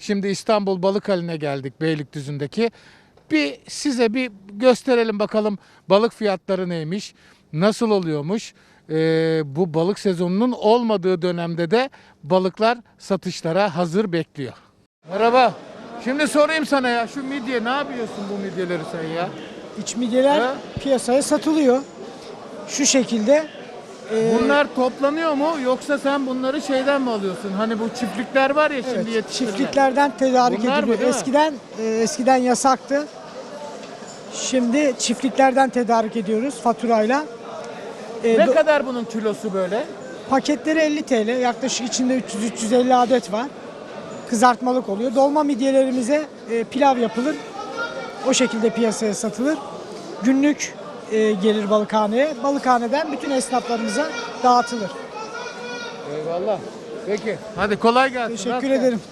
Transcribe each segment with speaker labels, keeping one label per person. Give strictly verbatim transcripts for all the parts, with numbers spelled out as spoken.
Speaker 1: Şimdi İstanbul Balıkhali'ne geldik, Beylikdüzü'ndeki. Bir size bir gösterelim bakalım balık fiyatları neymiş, nasıl oluyormuş. Ee, bu balık sezonunun olmadığı dönemde de balıklar satışlara hazır bekliyor. Merhaba. Şimdi sorayım sana ya, şu midye ne yapıyorsun bu midyeleri sen ya?
Speaker 2: İç midyeler
Speaker 1: Ha?
Speaker 2: piyasaya satılıyor. Şu şekilde. e,
Speaker 1: Bunlar toplanıyor mu yoksa sen bunları şeyden mi alıyorsun? Hani bu çiftlikler var ya şimdi
Speaker 2: evet,
Speaker 1: yetiştirilen.
Speaker 2: çiftliklerden tedarik
Speaker 1: Bunlar mı,
Speaker 2: ediliyor.
Speaker 1: değil mi?
Speaker 2: Eskiden e, eskiden yasaktı. Şimdi çiftliklerden tedarik ediyoruz faturayla. E,
Speaker 1: Ne
Speaker 2: do-
Speaker 1: kadar bunun kilosu böyle?
Speaker 2: Paketleri elli T L. Yaklaşık içinde üç yüz üç yüz elli adet var. Kızartmalık oluyor. Dolma midyelerimize e, pilav yapılır. O şekilde piyasaya satılır. Günlük e, gelir balıkhaneye. Balıkhaneden bütün esnaflarımıza dağıtılır.
Speaker 1: Eyvallah. Peki. Hadi kolay gelsin.
Speaker 2: Teşekkür
Speaker 1: Rast gelsin.
Speaker 2: ederim.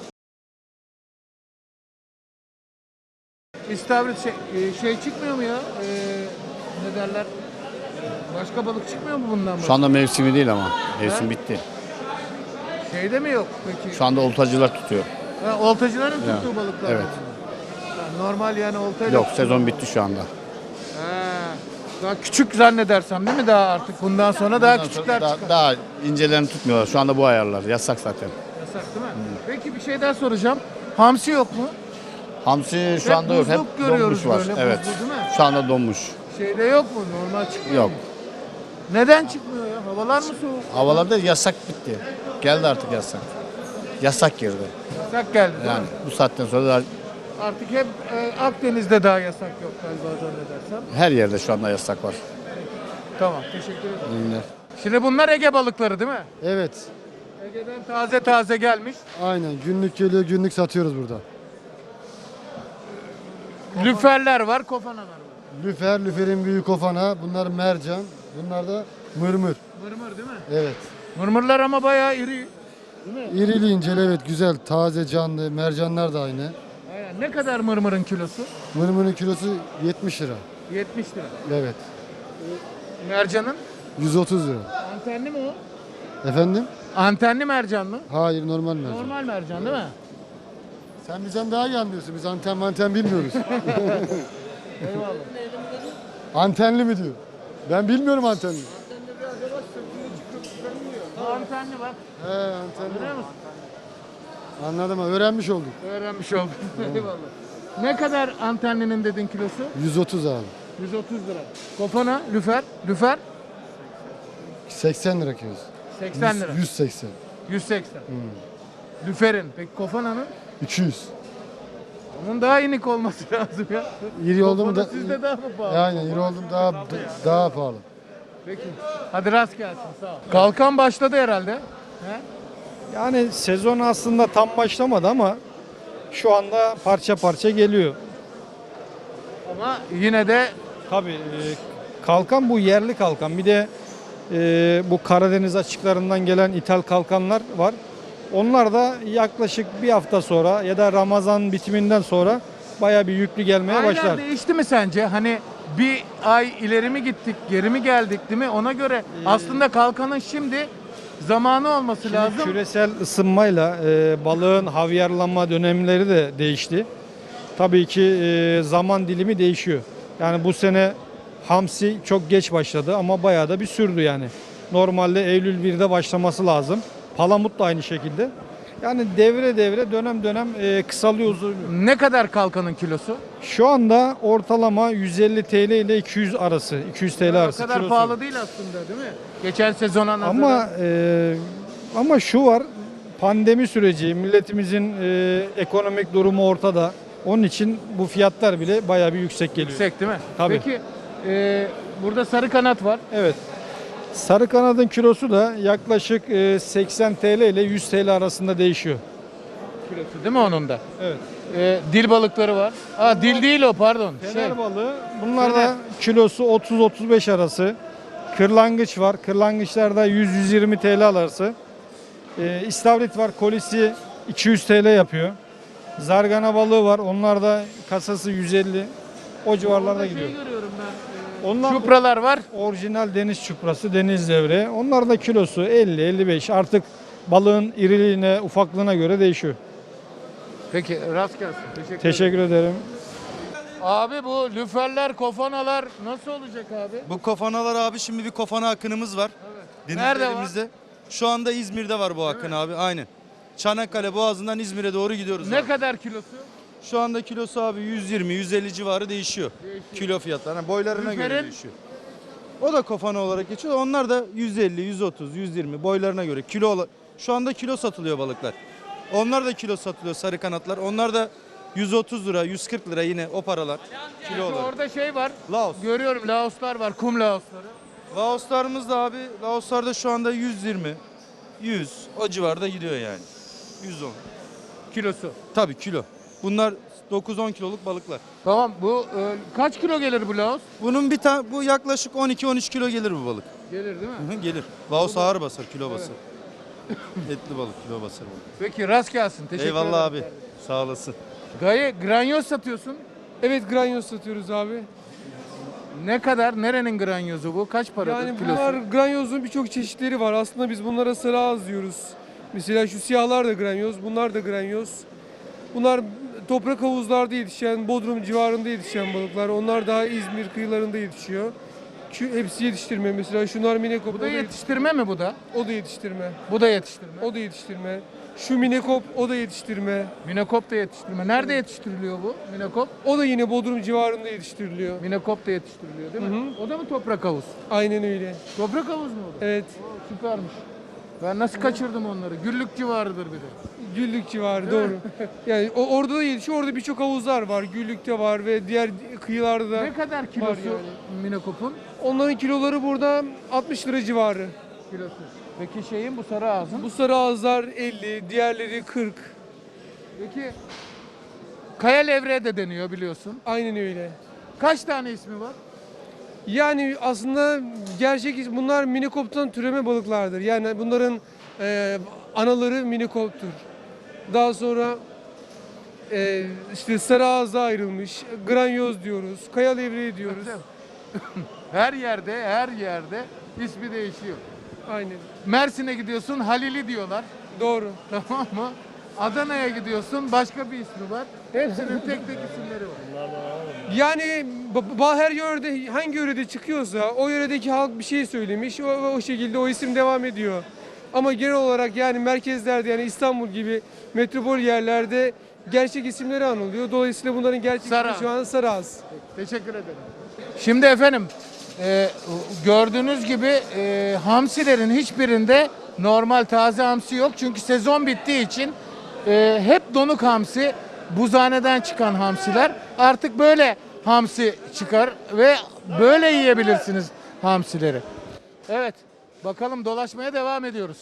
Speaker 1: İstavrit şey, e, şey çıkmıyor mu ya? Ee, ne derler? Başka balık çıkmıyor mu bundan?
Speaker 3: Şu anda mevsimi değil ama. Mevsim
Speaker 1: He?
Speaker 3: bitti.
Speaker 1: Şeyde mi yok peki?
Speaker 3: Şu anda oltacılar tutuyor.
Speaker 1: Ha, oltacıların
Speaker 3: Ya,
Speaker 1: tuttuğu balıklar.
Speaker 3: evet.
Speaker 1: mı? Ha, normal yani oltayla.
Speaker 3: Yok, sezon bitti şu anda.
Speaker 1: Ha, daha küçük zannedersem değil mi daha artık? Bundan sonra daha
Speaker 3: Bundan sonra
Speaker 1: küçükler
Speaker 3: daha,
Speaker 1: çıkar.
Speaker 3: daha incelerini tutmuyorlar. Şu anda bu ayarlar. Yasak zaten.
Speaker 1: Yasak değil mi? Peki bir şey daha soracağım. Hamsi yok mu?
Speaker 3: Hamsi şu
Speaker 1: Hep
Speaker 3: anda yok. Hep
Speaker 1: buzluk görüyoruz
Speaker 3: donmuş var.
Speaker 1: böyle,
Speaker 3: Evet.
Speaker 1: buzlu değil mi?
Speaker 3: Şu anda donmuş.
Speaker 1: Şeyde yok mu? Normal çıkmıyor
Speaker 3: Yok.
Speaker 1: mu? Neden çıkmıyor ya? Havalar mı soğuk?
Speaker 3: Havalarda yasak bitti. Geldi artık yasak. Yasak girdi.
Speaker 1: Yasak geldi değil
Speaker 3: Yani
Speaker 1: mi?
Speaker 3: bu saatten sonra da
Speaker 1: Artık hep e, Akdeniz'de daha yasak yok galiba zannedersem.
Speaker 3: her yerde şu anda yasak var.
Speaker 1: Tamam, teşekkür ederim.
Speaker 3: İyi günler.
Speaker 1: Şimdi bunlar Ege balıkları değil mi?
Speaker 4: Evet,
Speaker 1: Ege'den taze taze gelmiş.
Speaker 4: aynen. Günlük geliyor, günlük satıyoruz burada.
Speaker 1: Lüferler var, kofanalar var.
Speaker 4: Lüfer, lüferin büyük kofana, bunlar mercan, bunlar da mırmır.
Speaker 1: Mırmır değil mi?
Speaker 4: Evet.
Speaker 1: Mırmırlar ama bayağı iri. Değil mi?
Speaker 4: İrili inceli, evet, güzel, taze, canlı. Mercanlar da aynı.
Speaker 1: Aynen. Ne kadar mırmırın kilosu?
Speaker 4: Mırmırın kilosu yetmiş lira.
Speaker 1: yetmiş lira.
Speaker 4: Evet.
Speaker 1: Mercanın?
Speaker 4: yüz otuz lira.
Speaker 1: Antenli mi o?
Speaker 4: Efendim?
Speaker 1: Antenli mercan mı?
Speaker 4: Hayır, normal mercan.
Speaker 1: Normal mercan değil mi?
Speaker 4: Sen bizden daha iyi anlıyorsun. Biz anten manten bilmiyoruz.
Speaker 1: Eyvallah.
Speaker 4: Antenli mi diyor? Ben bilmiyorum antenli.
Speaker 1: Bu antenli bak.
Speaker 4: He, antenli.
Speaker 1: Görüyor musun?
Speaker 4: Anladım, öğrenmiş olduk.
Speaker 1: Öğrenmiş oldum. Eyvallah. Ne kadar antenlinin dedin kilosu?
Speaker 4: yüz otuz abi.
Speaker 1: yüz otuz lira. Kofana, lüfer, lüfer
Speaker 4: seksen lira kilosu.
Speaker 1: seksen lira.
Speaker 4: yüz seksen.
Speaker 1: yüz seksen. Lüferin. Peki kofananın?
Speaker 4: iki yüz.
Speaker 1: Onun daha inik olması lazım ya.
Speaker 4: İri oldu mu
Speaker 1: Kofana
Speaker 4: da
Speaker 1: sizde daha mı pahalı?
Speaker 4: yani iri oldum daha daha pahalı.
Speaker 1: Peki. Hadi rast gelsin. Sağ ol. Kalkan başladı herhalde. He?
Speaker 5: Yani sezon aslında tam başlamadı ama şu anda parça parça geliyor.
Speaker 1: Ama yine de
Speaker 5: Tabii e, kalkan bu yerli kalkan. Bir de e, bu Karadeniz açıklarından gelen ithal kalkanlar var. Onlar da yaklaşık bir hafta sonra ya da Ramazan bitiminden sonra bayağı bir yüklü gelmeye
Speaker 1: aylar
Speaker 5: başlar.
Speaker 1: değişti mi sence? Hani bir ay ileri mi gittik, geri mi geldik değil mi? Ona göre aslında kalkanın şimdi zamanı olması
Speaker 5: Şimdi
Speaker 1: lazım.
Speaker 5: küresel ısınmayla e, balığın havyarlanma dönemleri de değişti. Tabii ki e, zaman dilimi değişiyor. Yani bu sene hamsi çok geç başladı ama bayağı da bir sürdü yani. Normalde Eylül birde başlaması lazım. Palamut da aynı şekilde. Yani devre devre dönem dönem e, kısalıyor, uzuyor.
Speaker 1: Ne kadar kalkanın kilosu?
Speaker 5: Şu anda ortalama yüz elli TL ile iki yüz arası, iki yüz TL
Speaker 1: O
Speaker 5: arası
Speaker 1: kadar
Speaker 5: kilosu.
Speaker 1: pahalı değil aslında değil mi? Geçen sezona nazaran.
Speaker 5: Ama e, ama şu var, pandemi süreci, milletimizin e, ekonomik durumu ortada. Onun için bu fiyatlar bile bayağı bir yüksek geliyor.
Speaker 1: yüksek değil mi?
Speaker 5: Tabii.
Speaker 1: Peki e, burada sarı kanat var.
Speaker 5: Evet. Sarı kanadın kilosu da yaklaşık e, seksen TL ile yüz TL arasında değişiyor.
Speaker 1: Kilosu değil mi onun da?
Speaker 5: Evet.
Speaker 1: E, dil balıkları var. Aa dil değil o pardon. Şey,
Speaker 5: Fener balığı, bunlar
Speaker 1: Fener.
Speaker 5: da kilosu otuz otuz beş arası. Kırlangıç var. Kırlangıçlarda yüz yüz yirmi TL arası. E, İstavrit var. Kolisi iki yüz TL yapıyor. Zargana balığı var. Onlar da kasası yüz elli. O civarlarda
Speaker 1: orada
Speaker 5: gidiyor.
Speaker 1: şey görüyorum ben.
Speaker 5: Onlar
Speaker 1: Çupralar var.
Speaker 5: orijinal deniz çuprası, deniz levreği. Onlar da kilosu elli elli beş. Artık balığın iriliğine, ufaklığına göre değişiyor.
Speaker 1: Peki rast gelsin. Teşekkür, ederim.
Speaker 5: Teşekkür ederim.
Speaker 1: Abi bu lüferler, kofanalar nasıl olacak abi?
Speaker 6: Bu kofanalar abi şimdi bir kofana akınımız var.
Speaker 1: Nerede var?
Speaker 6: Denizlerimizde. Şu anda İzmir'de var bu akın abi. Aynen. Çanakkale Boğazı'ndan İzmir'e doğru gidiyoruz
Speaker 1: Ne
Speaker 6: abi.
Speaker 1: kadar kilosu?
Speaker 6: Şu anda kilosu abi yüz yirmi yüz elli civarı değişiyor.
Speaker 1: Değişiyor.
Speaker 6: Kilo fiyatları. Yani boylarına göre
Speaker 1: Lüferin?
Speaker 6: değişiyor. O da kofana olarak geçiyor. Onlar da yüz elli, yüz otuz, yüz yirmi boylarına göre. Kilo ola- Şu anda kilo satılıyor balıklar. Onlar da kilo satılıyor sarı kanatlar. Onlar da yüz otuz lira, yüz kırk lira yine o paralar. Kilo olarak.
Speaker 1: Orada şey var.
Speaker 6: Laos.
Speaker 1: Görüyorum Laoslar var, kum Laosları.
Speaker 6: Laoslarımız da abi, Laoslarda şu anda yüz yirmi, yüz o civarda gidiyor yani. yüz on.
Speaker 1: Kilosu.
Speaker 6: Tabii kilo. Bunlar dokuz on kiloluk balıklar.
Speaker 1: Tamam bu e, kaç kilo gelir bu Laos?
Speaker 6: Bunun bir tane bu yaklaşık on iki on üç kilo gelir bu balık.
Speaker 1: Gelir değil mi?
Speaker 6: Hı hı, gelir. Laos ağır basar, kilo basar. Etli balık, kilo basar balık.
Speaker 1: Peki rast gelsin. Teşekkür
Speaker 6: Eyvallah
Speaker 1: ederim.
Speaker 6: abi. Sağ olasın.
Speaker 1: Gaye granyoz satıyorsun.
Speaker 7: Evet, granyoz satıyoruz abi.
Speaker 1: Ne kadar? Nerenin granyozu bu? Kaç paradır
Speaker 7: Yani
Speaker 1: kilosu?
Speaker 7: bunlar granyozun birçok çeşitleri var. Aslında biz bunlara sarı ağız diyoruz. Mesela şu siyahlar da granyoz, bunlar da granyoz. Bunlar toprak havuzlarda yetişen, Bodrum civarında yetişen balıklar. Onlar daha İzmir kıyılarında yetişiyor. Şu hepsi yetiştirme. Mesela şunlar minekop.
Speaker 1: Bu
Speaker 7: o
Speaker 1: da yetiştirme mi bu da?
Speaker 7: O da yetiştirme.
Speaker 1: Bu da yetiştirme.
Speaker 7: O da yetiştirme. Şu minekop o da yetiştirme.
Speaker 1: Minekop da yetiştirme. Nerede yetiştiriliyor bu? Minekop?
Speaker 7: O da yine Bodrum civarında yetiştiriliyor.
Speaker 1: Minekop da yetiştiriliyor değil mi? O da mı toprak havuz?
Speaker 7: Aynen öyle.
Speaker 1: Toprak havuz mu o da?
Speaker 7: Evet.
Speaker 1: Oo, süpermiş. Ben nasıl kaçırdım onları? Güllük civarıdır bir de.
Speaker 7: Güllük civarı doğru. Yani o, orada da yetişiyor. Orada birçok havuzlar var. Güllük'te var ve diğer kıyılarda da.
Speaker 1: Ne kadar kilosu
Speaker 7: yani.
Speaker 1: minekopun?
Speaker 7: Onların kiloları burada altmış lira civarı.
Speaker 1: Kilosu. Peki şeyin bu sarı ağzın?
Speaker 7: Bu sarı ağızlar elli, diğerleri kırk.
Speaker 1: Peki kaya levreği de deniyor biliyorsun.
Speaker 7: Aynen öyle.
Speaker 1: Kaç tane ismi var?
Speaker 7: Yani aslında gerçek is- bunlar minikoptan türeme balıklardır. Yani bunların e, anaları minikoptur. Daha sonra e, işte sarı ağza ayrılmış, granyoz diyoruz, kaya levreği diyoruz.
Speaker 1: Her yerde, her yerde ismi değişiyor.
Speaker 7: Aynen.
Speaker 1: Mersin'e gidiyorsun Halili diyorlar.
Speaker 7: Doğru.
Speaker 1: Tamam mı? Adana'ya gidiyorsun başka bir ismi var. Hepsinin tek tek isimleri var.
Speaker 7: Yani ba- ba- her yörede hangi yörede çıkıyorsa o yöredeki halk bir şey söylemiş. O, o şekilde o isim devam ediyor. Ama genel olarak yani merkezlerde yani İstanbul gibi metropol yerlerde gerçek isimleri anılıyor. Dolayısıyla bunların gerçek
Speaker 1: Sarı.
Speaker 7: ismi şu an Saraz.
Speaker 1: Teşekkür ederim. Şimdi efendim e, gördüğünüz gibi e, hamsilerin hiçbirinde normal taze hamsi yok. Çünkü sezon bittiği için e, hep donuk hamsi, buzhaneden çıkan hamsiler. Artık böyle hamsi çıkar ve böyle yiyebilirsiniz hamsileri. Evet, bakalım dolaşmaya devam ediyoruz.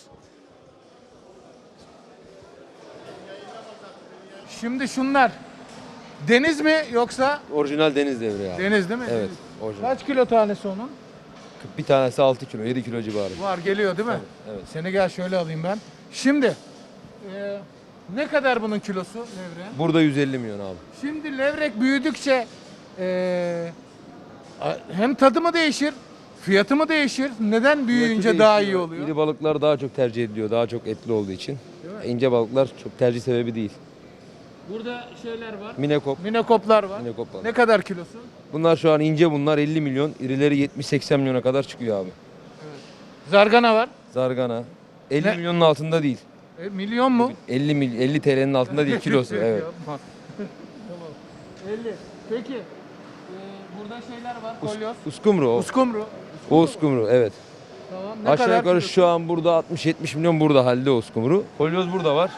Speaker 1: Şimdi şunlar deniz mi yoksa
Speaker 8: Orijinal deniz devri abi.
Speaker 1: deniz değil mi?
Speaker 8: Evet,
Speaker 1: Deniz.
Speaker 8: orijinal.
Speaker 1: Kaç kilo tanesi onun?
Speaker 8: Bir tanesi altı kilo, yedi kilo civarı.
Speaker 1: Var geliyor değil mi?
Speaker 8: Evet.
Speaker 1: Seni gel şöyle alayım ben. Şimdi e, ne kadar bunun kilosu levreğin?
Speaker 8: Burada yüz elli milyon abi.
Speaker 1: Şimdi levrek büyüdükçe e, a- hem tadı mı değişir, fiyatı mı değişir? Neden büyüyünce
Speaker 8: Fiyatı
Speaker 1: daha iyi
Speaker 8: değişiyor.
Speaker 1: oluyor?
Speaker 8: İri balıklar daha çok tercih ediliyor, daha çok etli olduğu için. İnce balıklar çok tercih sebebi değil.
Speaker 1: Burada şeyler var.
Speaker 8: Minekop,
Speaker 1: Minekoplar var.
Speaker 8: minekop balık.
Speaker 1: Ne kadar kilosu?
Speaker 8: Bunlar şu an ince bunlar elli milyon, irileri yetmiş seksen milyona kadar çıkıyor abi.
Speaker 1: Zargana var.
Speaker 8: Zargana elli
Speaker 1: Ne?
Speaker 8: milyonun altında değil.
Speaker 1: E, milyon mu?
Speaker 8: elli mil, elli T L'nin altında değil kilosu. Evet.
Speaker 1: Yapma. Tamam. elli. Peki. e, burada şeyler var. Kolyoz.
Speaker 8: Uskumru o.
Speaker 1: Uskumru.
Speaker 8: O uskumru evet.
Speaker 1: Tamam. Ne
Speaker 8: Aşağı
Speaker 1: kadar
Speaker 8: yukarı
Speaker 1: kilosu?
Speaker 8: şu an burada altmış yetmiş milyon burada halde o uskumru. Kolyoz burada var.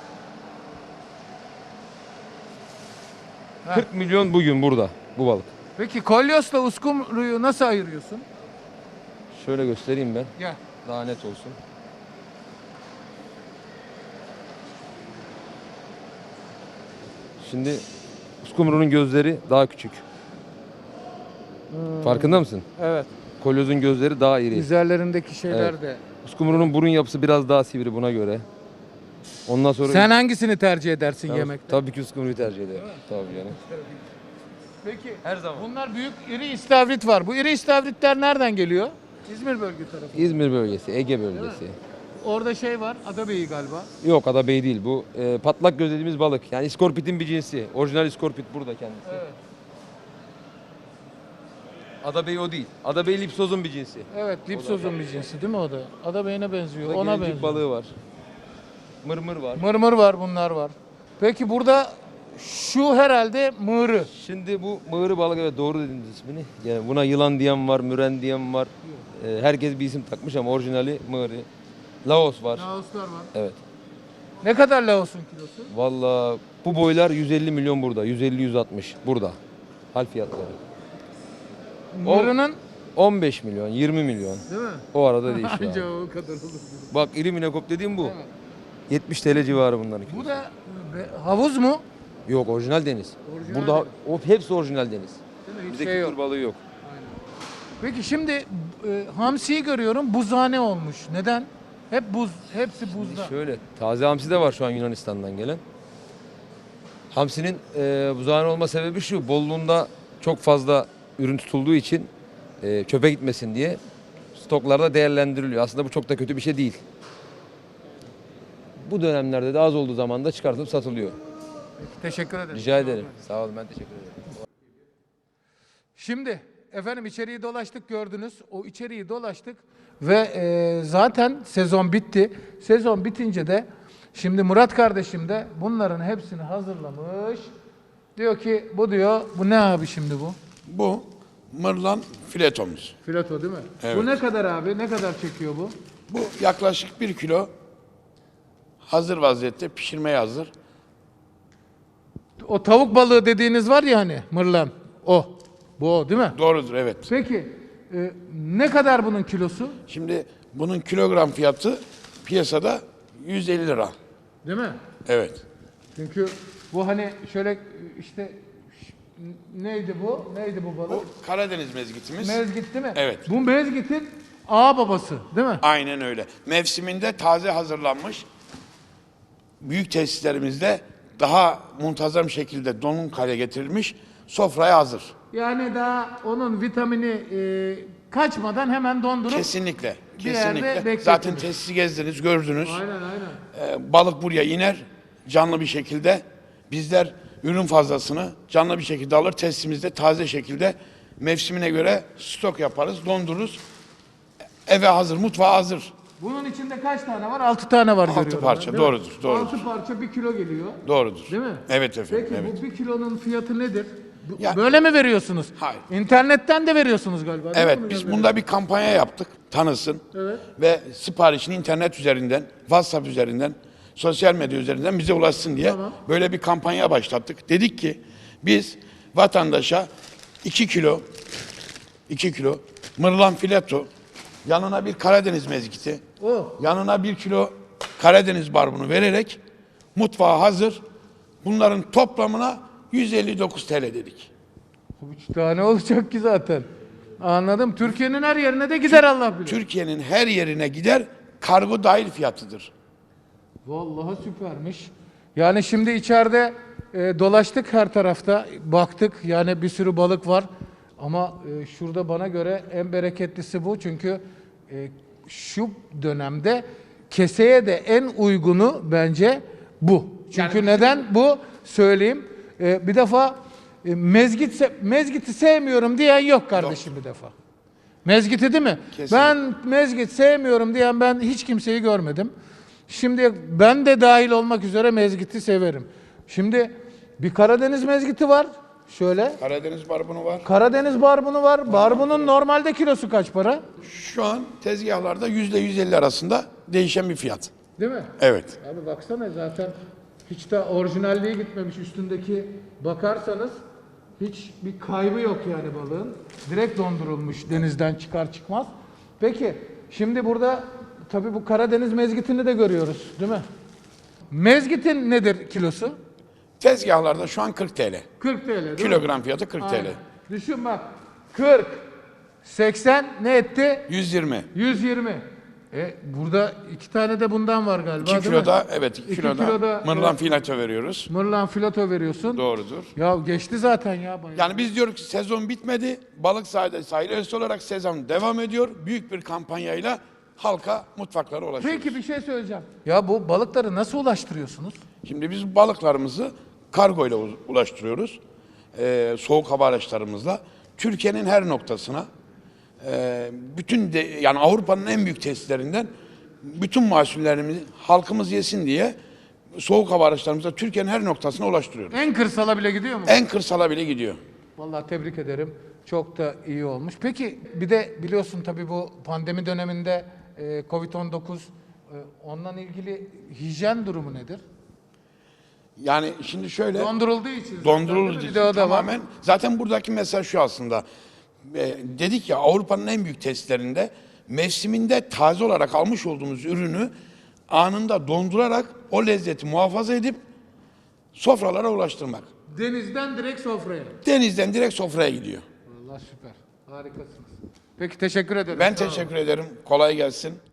Speaker 1: Ha.
Speaker 8: kırk milyon bugün burada bu balık.
Speaker 1: Peki kolyosla uskumruyu nasıl ayırıyorsun?
Speaker 8: Şöyle göstereyim ben.
Speaker 1: Gel.
Speaker 8: Daha net olsun. Şimdi uskumrunun gözleri daha küçük. Farkında mısın?
Speaker 1: Evet.
Speaker 8: Kolyozun gözleri daha iri.
Speaker 1: Üzerlerindeki şeyler
Speaker 8: Evet.
Speaker 1: de.
Speaker 8: Uskumrunun burun yapısı biraz daha sivri buna göre. Ondan sonra
Speaker 1: Sen hangisini tercih edersin
Speaker 8: Tabii-
Speaker 1: yemekte?
Speaker 8: Tabii ki uskumruyu tercih ederim. Tabii canım.
Speaker 1: Peki.
Speaker 8: Her zaman.
Speaker 1: Bunlar büyük iri istavrit var. Bu iri istavritler nereden geliyor? İzmir bölge tarafı.
Speaker 8: İzmir bölgesi, Ege bölgesi.
Speaker 1: orada şey var. Adabeyi galiba.
Speaker 8: Yok adabey değil bu. E, patlak göz dediğimiz balık. Yani iskorpitin bir cinsi. Orijinal iskorpit burada kendisi.
Speaker 1: Evet.
Speaker 8: Adabey o değil. Adabey lipsozun bir cinsi.
Speaker 1: Evet, lipsozun bir cinsi değil mi o da? Adabeyine benziyor.
Speaker 8: Burada
Speaker 1: Ona
Speaker 8: gelincik
Speaker 1: benziyor.
Speaker 8: balığı var. Mırmır var.
Speaker 1: Mırmır var, bunlar var. Peki burada şu herhalde mığırı.
Speaker 8: Şimdi bu mığırı balık, evet doğru dediniz ismini. Yani buna yılan diyen var, müren diyen var. Ee, herkes bir isim takmış ama orijinali mığırı. Laos var.
Speaker 1: Laoslar var.
Speaker 8: Evet.
Speaker 1: Ne kadar Laos'un kilosu?
Speaker 8: Vallahi bu boylar yüz elli milyon burada. yüz elli yüz altmış burada. Hal fiyatları.
Speaker 1: Mığırının
Speaker 8: on beş milyon, yirmi milyon.
Speaker 1: değil mi?
Speaker 8: O arada değişiyor.
Speaker 1: Anca
Speaker 8: abi.
Speaker 1: o kadar olur.
Speaker 8: Bak iri minekop dediğim bu.
Speaker 1: Evet.
Speaker 8: yetmiş T L civarı bunların.
Speaker 1: Bu da be- havuz mu?
Speaker 8: Yok orijinal deniz.
Speaker 1: Orijinal
Speaker 8: Burada o hepsi orijinal deniz.
Speaker 1: Değil mi? Hiç
Speaker 8: Bizde
Speaker 1: şey
Speaker 8: kültür
Speaker 1: yok.
Speaker 8: balığı yok.
Speaker 1: Peki şimdi e, hamsiyi görüyorum, buzhane olmuş. Neden? Hep buz, hepsi buzda.
Speaker 8: Şöyle, taze hamsi de var şu an Yunanistan'dan gelen. Hamsinin e, buzağın olma sebebi şu, bolluğunda çok fazla ürün tutulduğu için e, çöpe gitmesin diye stoklarda değerlendiriliyor. Aslında bu çok da kötü bir şey değil. Bu dönemlerde de az olduğu zaman da çıkartılıp satılıyor.
Speaker 1: Teşekkür ederim.
Speaker 8: Rica ederim. Sağ olun, ben teşekkür ederim.
Speaker 1: Şimdi efendim içeriği dolaştık, gördünüz. O içeriği dolaştık ve e, zaten sezon bitti. Sezon bitince de şimdi Murat kardeşim de bunların hepsini hazırlamış. Diyor ki bu diyor, bu ne abi şimdi bu?
Speaker 9: Bu mırlan filetomuz.
Speaker 1: Fileto değil mi?
Speaker 9: Evet.
Speaker 1: Bu ne kadar abi? Ne kadar çekiyor bu?
Speaker 9: Bu yaklaşık bir kilo hazır vaziyette pişirmeye hazır.
Speaker 1: O tavuk balığı dediğiniz var ya hani mırlan. O. Bu o değil mi?
Speaker 9: Doğrudur, evet.
Speaker 1: Peki e, ne kadar bunun kilosu?
Speaker 9: Şimdi bunun kilogram fiyatı piyasada yüz elli lira.
Speaker 1: Değil mi?
Speaker 9: Evet.
Speaker 1: Çünkü bu hani şöyle işte ş- neydi bu? Neydi bu balık?
Speaker 9: Bu Karadeniz mezgitimiz.
Speaker 1: Mezgit değil mi?
Speaker 9: Evet.
Speaker 1: Bu mezgitin ağa babası değil mi?
Speaker 9: Aynen öyle. Mevsiminde taze hazırlanmış. Büyük tesislerimizde daha muntazam şekilde donum hale getirilmiş, sofraya hazır.
Speaker 1: Yani daha onun vitamini e, kaçmadan hemen dondurup
Speaker 9: Kesinlikle.
Speaker 1: bir yerde
Speaker 9: Kesinlikle.
Speaker 1: bekletiriz.
Speaker 9: Zaten tesisi gezdiniz, gördünüz.
Speaker 1: Aynen aynen.
Speaker 9: Ee, balık buraya iner canlı bir şekilde. Bizler ürün fazlasını canlı bir şekilde alır. Tesisimizde taze şekilde mevsimine göre stok yaparız, dondururuz. Eve hazır, mutfağa hazır.
Speaker 1: Bunun içinde kaç tane var? Altı tane var
Speaker 9: Altı
Speaker 1: görüyorum.
Speaker 9: parça,
Speaker 1: ben, değil mi?
Speaker 9: doğrudur, doğrudur.
Speaker 1: Altı parça bir kilo geliyor.
Speaker 9: Doğrudur.
Speaker 1: Değil mi?
Speaker 9: Evet efendim.
Speaker 1: Peki
Speaker 9: evet.
Speaker 1: bu bir kilonun fiyatı nedir? Bu-
Speaker 9: Ya-
Speaker 1: Böyle mi veriyorsunuz?
Speaker 9: Hayır.
Speaker 1: İnternetten de veriyorsunuz galiba. değil
Speaker 9: Evet,
Speaker 1: mi?
Speaker 9: biz bunda bir kampanya yaptık, tanısın.
Speaker 1: Evet.
Speaker 9: Ve siparişini internet üzerinden, WhatsApp üzerinden, sosyal medya üzerinden bize ulaşsın diye
Speaker 1: Tamam.
Speaker 9: böyle bir kampanya başlattık. Dedik ki biz vatandaşa iki kilo, iki kilo mırlan fileto, yanına bir Karadeniz mezgiti,
Speaker 1: O.
Speaker 9: yanına bir kilo Karadeniz barbunu vererek mutfağa hazır. Bunların toplamına yüz elli dokuz T L dedik.
Speaker 1: Üç tane olacak ki zaten. Anladım. Türkiye'nin her yerine de gider Allah bilir.
Speaker 9: Türkiye'nin her yerine gider, kargo dahil fiyatıdır.
Speaker 1: Vallahi süpermiş. Yani şimdi içeride e, dolaştık her tarafta, baktık yani bir sürü balık var. Ama e, şurada bana göre en bereketlisi bu çünkü e, şu dönemde keseye de en uygunu bence bu. Çünkü neden bu söyleyeyim. E, bir defa e, mezgit se- mezgiti sevmiyorum diyen yok kardeşim bir defa. Mezgiti değil mi?
Speaker 9: Kesinlikle.
Speaker 1: Ben mezgit sevmiyorum diyen ben hiç kimseyi görmedim. Şimdi ben de dahil olmak üzere mezgiti severim. Şimdi bir Karadeniz mezgiti var. Şöyle.
Speaker 9: Karadeniz barbunu var.
Speaker 1: Karadeniz barbunu var. Barbunun normalde kilosu kaç para?
Speaker 9: Şu an tezgahlarda yüzde yüz elli arasında değişen bir fiyat.
Speaker 1: Değil mi?
Speaker 9: Evet.
Speaker 1: Abi baksana zaten hiç de orijinalliğe gitmemiş üstündeki bakarsanız hiç bir kaybı yok yani balığın. Direkt dondurulmuş denizden çıkar çıkmaz. Peki şimdi burada tabii bu Karadeniz mezgitini de görüyoruz değil mi? Mezgitin nedir kilosu?
Speaker 9: Tezgahlarda şu an kırk T L.
Speaker 1: kırk T L değil mi?
Speaker 9: Kilogram fiyatı kırk T L.
Speaker 1: Aynen. Düşün bak kırk, seksen ne etti?
Speaker 9: yüz yirmi.
Speaker 1: yüz yirmi. E, burada iki tane de bundan var galiba
Speaker 9: iki
Speaker 1: değil
Speaker 9: kiloda,
Speaker 1: mi?
Speaker 9: evet iki,
Speaker 1: İki
Speaker 9: kiloda,
Speaker 1: kiloda,
Speaker 9: mırlan
Speaker 1: evet.
Speaker 9: filato veriyoruz.
Speaker 1: Mırlan filato veriyorsun.
Speaker 9: Doğrudur.
Speaker 1: Ya geçti zaten ya bayağı.
Speaker 9: Yani biz diyoruz ki sezon bitmedi. Balık sahilde sahil üyesi olarak sezon devam ediyor. Büyük bir kampanyayla halka mutfaklara ulaşıyoruz.
Speaker 1: Peki bir şey söyleyeceğim. Ya bu balıkları nasıl ulaştırıyorsunuz?
Speaker 9: Şimdi biz balıklarımızı kargo ile u- ulaştırıyoruz. Ee, soğuk hava araçlarımızla. Türkiye'nin her noktasına, e, bütün de, yani Avrupa'nın en büyük tesislerinden bütün mahsullerimizi halkımız yesin diye soğuk hava araçlarımızla Türkiye'nin her noktasına ulaştırıyoruz.
Speaker 1: En kırsala bile gidiyor mu?
Speaker 9: En kırsala bile gidiyor.
Speaker 1: Vallahi tebrik ederim. Çok da iyi olmuş. Peki bir de biliyorsun tabii bu pandemi döneminde e, kovid on dokuz, e, ondan ilgili hijyen durumu nedir?
Speaker 9: Yani şimdi şöyle
Speaker 1: Dondurulduğu için. zaten
Speaker 9: dondurulur
Speaker 1: değil mi?
Speaker 9: için
Speaker 1: Bir de o da var.
Speaker 9: tamamen. Zaten buradaki mesaj şu aslında. E, dedik ya Avrupa'nın en büyük testlerinde mevsiminde taze olarak almış olduğumuz ürünü anında dondurarak o lezzeti muhafaza edip sofralara ulaştırmak.
Speaker 1: Denizden direkt sofraya.
Speaker 9: Denizden direkt sofraya gidiyor.
Speaker 1: Vallahi süper. Harikasınız. Peki teşekkür ederim.
Speaker 9: Ben
Speaker 1: Sağ olun.
Speaker 9: teşekkür ederim. Kolay gelsin.